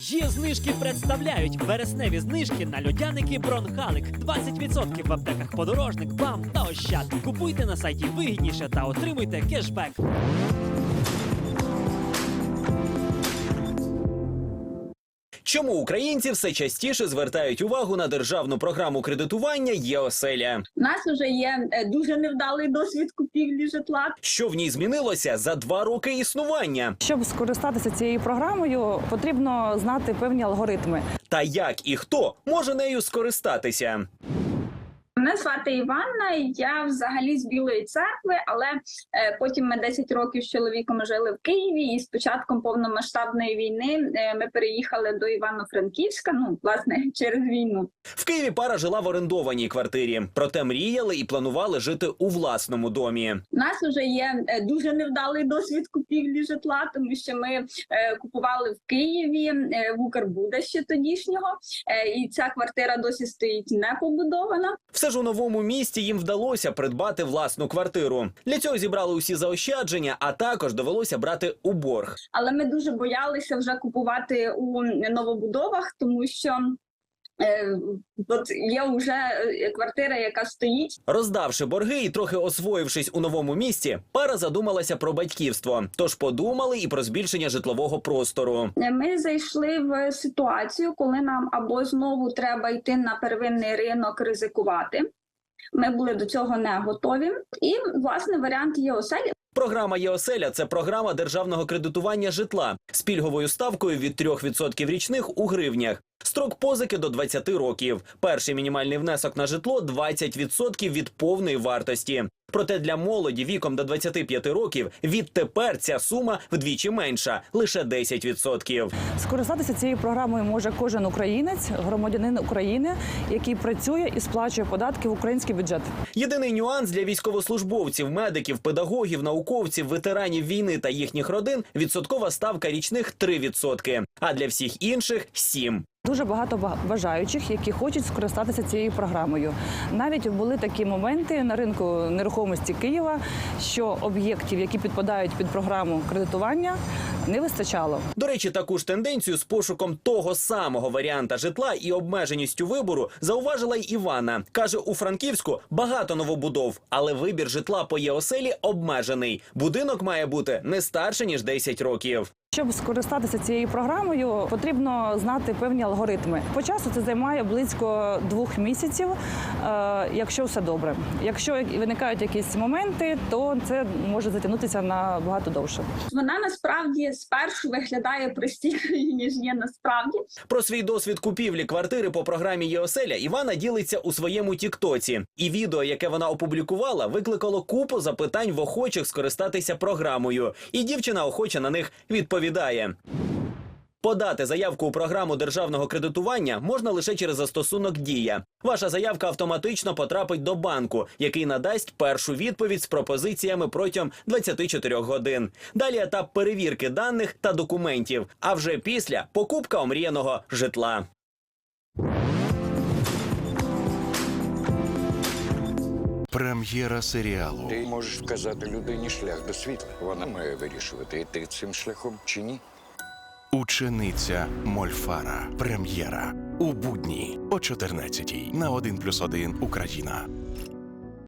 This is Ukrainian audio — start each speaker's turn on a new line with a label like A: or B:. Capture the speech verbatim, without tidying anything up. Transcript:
A: Є знижки представляють вересневі знижки на льодяники Бронхалик. двадцять відсотків в аптеках Подорожник, БАМ та Ощад. Купуйте на сайті вигідніше та отримуйте кешбек.
B: Чому українці все частіше звертають увагу на державну програму кредитування «Є-оселя»?
C: У нас вже є е, дуже невдалий досвід купівлі житла.
B: Що в ній змінилося за два роки існування?
D: Щоб скористатися цією програмою, потрібно знати певні алгоритми.
B: Та як і хто може нею скористатися?
C: Мене звати Іванна, я взагалі з Білої Церкви, але е, потім ми десять років з чоловіком жили в Києві, і з початком повномасштабної війни е, ми переїхали до Івано-Франківська, ну, власне, через війну.
B: В Києві пара жила в орендованій квартирі, проте мріяли і планували жити у власному домі.
C: У нас вже є е, дуже невдалий досвід купівлі житла, тому що ми е, купували в Києві, е, в Укрбуда ще тодішнього, е, і ця квартира досі стоїть не побудована.
B: Все ж у новому місті їм вдалося придбати власну квартиру. Для цього зібрали усі заощадження, а також довелося брати у борг.
C: Але ми дуже боялися вже купувати у новобудовах, тому що е, от є вже квартира, яка стоїть.
B: Роздавши борги і трохи освоївшись у новому місті, пара задумалася про батьківство. Тож подумали і про збільшення житлового простору.
C: Ми зайшли в ситуацію, коли нам або знову треба йти на первинний ринок ризикувати. Ми були до цього не готові. І, власне, варіант «Є-оселя».
B: Програма «Є-оселя» – це програма державного кредитування житла з пільговою ставкою від трьох відсотків річних у гривнях. Строк позики до двадцяти років. Перший мінімальний внесок на житло – двадцять відсотків від повної вартості. Проте для молоді віком до двадцяти п'яти років відтепер ця сума вдвічі менша – лише десять відсотків.
D: Скористатися цією програмою може кожен українець, громадянин України, який працює і сплачує податки в український бюджет.
B: Єдиний нюанс для військовослужбовців, медиків, педагогів, науковців, ветеранів війни та їхніх родин – відсоткова ставка річних три відсотки, а для всіх інших – сім.
D: Дуже багато бажаючих, які хочуть скористатися цією програмою. Навіть були такі моменти на ринку нерухомості Києва, що об'єктів, які підпадають під програму кредитування, не вистачало.
B: До речі, таку ж тенденцію з пошуком того самого варіанта житла і обмеженістю вибору зауважила й Івана. Каже, у Франківську багато новобудов, але вибір житла по «Є-оселі» обмежений. Будинок має бути не старше, ніж десять років.
D: Щоб скористатися цією програмою, потрібно знати певні алгоритми. По часу це займає близько двох місяців, якщо все добре. Якщо виникають якісь моменти, то це може затягнутися набагато довше.
C: Вона насправді спершу виглядає простішою, ніж є насправді.
B: Про свій досвід купівлі квартири по програмі «Є-оселя» Івана ділиться у своєму тіктоці. І відео, яке вона опублікувала, викликало купу запитань в охочих скористатися програмою. І дівчина охоче на них відповідає. Подати заявку у програму державного кредитування можна лише через застосунок «Дія». Ваша заявка автоматично потрапить до банку, який надасть першу відповідь з пропозиціями протягом двадцяти чотирьох годин. Далі етап перевірки даних та документів, а вже після – покупка омріяного житла.
E: Прем'єра серіалу.
F: Ти можеш вказати людині шлях до світла. Вона має вирішувати, йти цим шляхом чи ні.
E: Учениця Мольфара. Прем'єра. У будні о чотирнадцятій на один плюс один Україна.